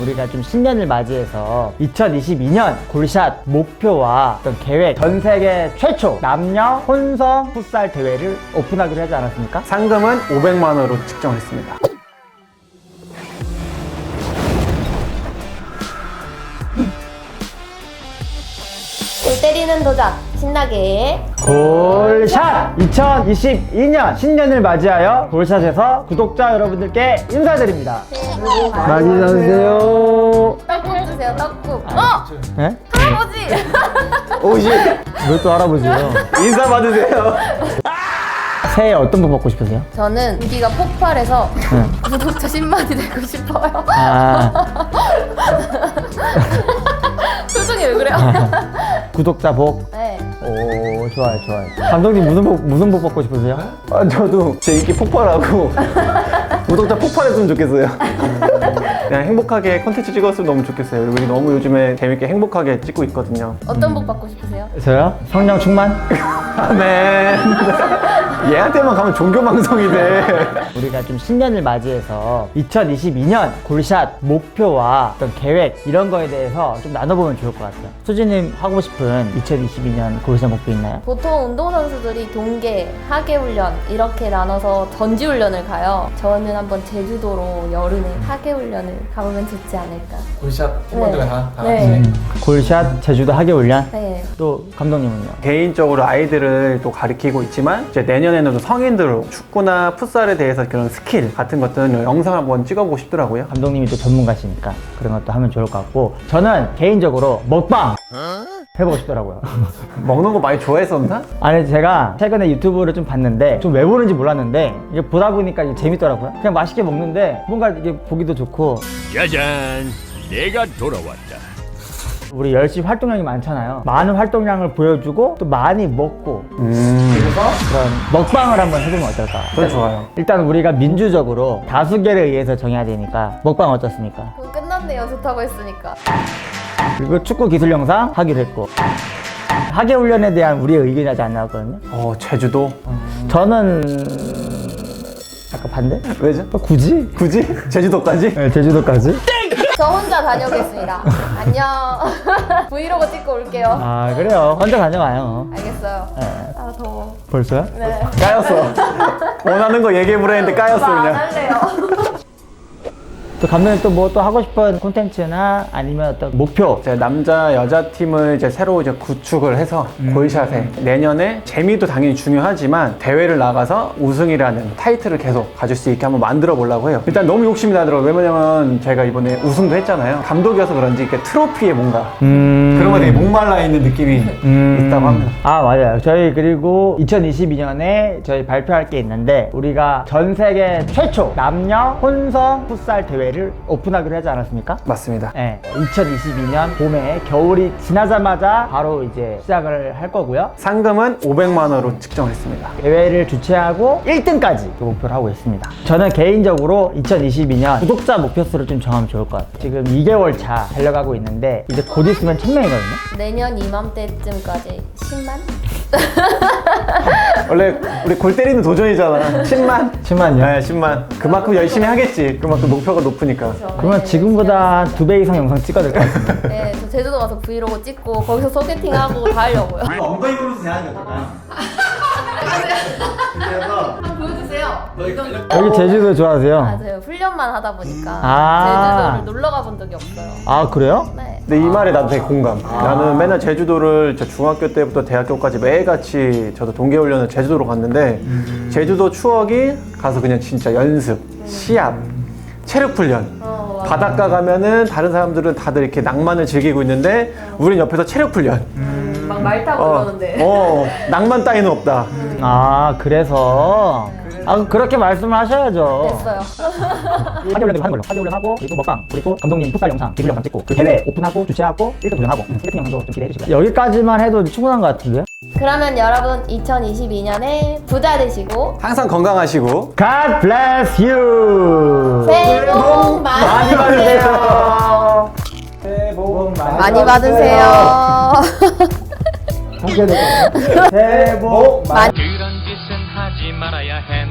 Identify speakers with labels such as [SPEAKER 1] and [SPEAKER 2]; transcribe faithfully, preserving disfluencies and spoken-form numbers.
[SPEAKER 1] 우리가 좀 신년을 맞이해서 이천이십이 년 골샷 목표와 어떤 계획, 전 세계 최초 남녀 혼성 풋살 대회를 오픈하기로 하지 않았습니까?
[SPEAKER 2] 상금은 오백만 원으로 측정했습니다.
[SPEAKER 3] 골 때리는 도전 신나게
[SPEAKER 1] 골샷! 이천이십이 년 신년을 맞이하여 골샷에서 구독자 여러분들께 인사드립니다.
[SPEAKER 3] 새해 복
[SPEAKER 1] 많이 받으세요.
[SPEAKER 3] 떡국 주세요 떡국 어!
[SPEAKER 1] 네?
[SPEAKER 3] 할아버지!
[SPEAKER 2] 오십
[SPEAKER 1] 왜 또 할아버지예요?
[SPEAKER 2] 인사 받으세요.
[SPEAKER 1] 새해 어떤 분 받고 싶으세요?
[SPEAKER 3] 저는 인기가 폭발해서
[SPEAKER 1] 네.
[SPEAKER 3] 구독자 십만이 되고 싶어요.
[SPEAKER 1] 아,
[SPEAKER 3] 표정이 왜 그래요?
[SPEAKER 1] 구독자 복.
[SPEAKER 3] 네.
[SPEAKER 1] 오, 좋아요, 좋아요. 감독님 무슨 복, 무슨 복 받고 싶으세요?
[SPEAKER 2] 아, 저도 제 인기 폭발하고 구독자 폭발했으면 좋겠어요. 그냥 행복하게 컨텐츠 찍었으면 너무 좋겠어요. 우리 너무 요즘에 재밌게 행복하게 찍고 있거든요.
[SPEAKER 3] 어떤 복 받고 싶으세요?
[SPEAKER 1] 저요? 성령 충만?
[SPEAKER 2] 아멘. 얘한테만 가면 종교 방송이 돼.
[SPEAKER 1] 우리가 좀 신년을 맞이해서 이천이십이 년 골샷 목표와 어떤 계획 이런 거에 대해서 좀 나눠보면 좋을 것 같아요. 수지님 하고 싶은 이천이십이 년 골샷 목표 있나요?
[SPEAKER 3] 보통 운동선수들이 동계, 하계훈련 이렇게 나눠서 전지훈련을 가요. 저는 한번 제주도로 여름에 하계훈련을 가보면 좋지 않을까.
[SPEAKER 4] 골샷 팀원들과 다, 다 같이.
[SPEAKER 3] 네.
[SPEAKER 1] 골샷 제주도 하계훈련?
[SPEAKER 3] 네.
[SPEAKER 1] 또 감독님은요?
[SPEAKER 2] 개인적으로 아이들을 또 가르치고 있지만 이제 내년에는 또 성인들 축구나 풋살에 대해서 그런 스킬 같은 것들은 영상 한번 찍어보고 싶더라고요.
[SPEAKER 1] 감독님이 또 전문가시니까 그런 것도 하면 좋을 것 같고 저는 개인적으로 먹방 해보고 싶더라고요.
[SPEAKER 2] 먹는 거 많이 좋아했었나?
[SPEAKER 1] 아니 제가 최근에 유튜브를 좀 봤는데 좀 왜 보는지 몰랐는데 이게 보다 보니까 이게 재밌더라고요. 그냥 맛있게 먹는데 뭔가 이게 보기도 좋고
[SPEAKER 5] 짜잔, 내가 돌아왔다.
[SPEAKER 1] 우리 열심히 활동량이 많잖아요. 많은 활동량을 보여주고 또 많이 먹고
[SPEAKER 2] 음,
[SPEAKER 1] 그래서 그런 먹방을 한번 해보면 어떨까?
[SPEAKER 2] 그건 좋아요.
[SPEAKER 1] 일단 우리가 민주적으로 다수결에 의해서 정해야 되니까 먹방 어떻습니까?
[SPEAKER 3] 그럼 끝났네요. 좋다고 했으니까.
[SPEAKER 1] 그리고 축구 기술 영상 하기로 했고 하계 훈련에 대한 우리의 의견이 아직 안 나왔거든요.
[SPEAKER 2] 어, 제주도?
[SPEAKER 1] 저는 약간 반대?
[SPEAKER 2] 왜죠?
[SPEAKER 1] 어, 굳이?
[SPEAKER 2] 굳이? 제주도까지?
[SPEAKER 1] 네, 제주도까지?
[SPEAKER 3] 저 혼자 다녀오겠습니다. 안녕. 브이로그 찍고 올게요.
[SPEAKER 1] 아 그래요. 혼자 다녀와요.
[SPEAKER 3] 알겠어요.
[SPEAKER 1] 네.
[SPEAKER 3] 아 더워.
[SPEAKER 1] 벌써요?
[SPEAKER 3] 네.
[SPEAKER 2] 까였어. 원하는 거 얘기해보라 했는데 까였어,
[SPEAKER 3] 안
[SPEAKER 2] 그냥.
[SPEAKER 3] 할래요.
[SPEAKER 1] 또 감독님 또 뭐 또 하고 싶은 콘텐츠나 아니면 어떤 목표
[SPEAKER 2] 이제 남자 여자 팀을 이제 새로 이제 구축을 해서 골샷에 내년에 재미도 당연히 중요하지만 대회를 나가서 우승이라는 타이틀을 계속 가질 수 있게 한번 만들어 보려고 해요. 일단 너무 욕심이 나더라고요. 왜냐면 제가 이번에 우승도 했잖아요. 감독이어서 그런지 이렇게 트로피에 뭔가
[SPEAKER 1] 음...
[SPEAKER 2] 그런 거 되게 목말라 있는 느낌이
[SPEAKER 1] 음...
[SPEAKER 2] 있다고 합니다.
[SPEAKER 1] 아 맞아요. 저희 그리고 이천이십이 년에 저희 발표할 게 있는데 우리가 전 세계 최초 남녀 혼성 풋살 대회를 오픈하기로 하지 않았습니까?
[SPEAKER 2] 맞습니다.
[SPEAKER 1] 네, 이천이십이 년 봄에 겨울이 지나자마자 바로 이제 시작을 할 거고요.
[SPEAKER 2] 상금은 오백만 원으로 측정했습니다.
[SPEAKER 1] 대회를 주최하고 일 등까지 목표를 하고 있습니다. 저는 개인적으로 이천이십이 년 구독자 목표수를 좀 정하면 좋을 것 같아요. 지금 이 개월 차 달려가고 있는데 이제 곧 있으면 천 명이거든요.
[SPEAKER 3] 내년 이맘때쯤까지 십만?
[SPEAKER 2] 원래 우리 골 때리는 도전이잖아. 십만?
[SPEAKER 1] 십만요?
[SPEAKER 2] 네, 십만. 그만큼 열심히 하겠지. 그만큼 목표가 높으니까.
[SPEAKER 1] 그러면 지금보다 두 배 이상 영상 찍어야 될 것 같습니다.
[SPEAKER 3] 네, 저 제주도 가서 브이로그 찍고 거기서 소개팅하고 다 하려고요.
[SPEAKER 1] 엉덩이 보면서 제하는 게 어떨까요?
[SPEAKER 3] 한번 보여주세요.
[SPEAKER 1] 여기 제주도 좋아하세요?
[SPEAKER 3] 맞아요. 훈련만 하다 보니까
[SPEAKER 1] 아.
[SPEAKER 3] 제주도를 놀러 가본 적이 없어요.
[SPEAKER 1] 아 그래요?
[SPEAKER 3] 네.
[SPEAKER 2] 근데 이 말에 나도 되게 공감. 나는 맨날 제주도를 저 중학교 때부터 대학교까지 매일같이 저도 동계훈련을 제주도로 갔는데 제주도 추억이 가서 그냥 진짜 연습, 시합, 체력 훈련.
[SPEAKER 3] 어, 맞아요.
[SPEAKER 2] 바닷가 가면은 다른 사람들은 다들 이렇게 낭만을 즐기고 있는데 우린 옆에서 체력 훈련.
[SPEAKER 3] 막 말 타고
[SPEAKER 2] 어,
[SPEAKER 3] 그러는데.
[SPEAKER 2] 어, 낭만 따위는 없다.
[SPEAKER 1] 아 그래서 아 그렇게 말씀을 하셔야죠.
[SPEAKER 3] 됐어요.
[SPEAKER 1] 하계훈련도 하는 걸로 하계훈련 하고 그리고 먹방 그리고 감독님 풋살 영상 기술 영상 찍고 그 대회 오픈하고 주최하고 일 등 도전하고 소개팅 영상도 좀 기대해 주시고요. 여기까지만 해도 충분한 것 같은데요?
[SPEAKER 3] 그러면 여러분 이천이십이 년에 부자 되시고
[SPEAKER 2] 항상 건강하시고
[SPEAKER 1] God bless you.
[SPEAKER 3] 새해 복 많이
[SPEAKER 1] 많이
[SPEAKER 3] 받으세요.
[SPEAKER 1] 받으세요. 새해 복
[SPEAKER 3] 많이 받으세요.
[SPEAKER 1] 함께 될 거예요. 새해 복 많이
[SPEAKER 3] 많이
[SPEAKER 5] 그런 짓은 하지 말아야 해.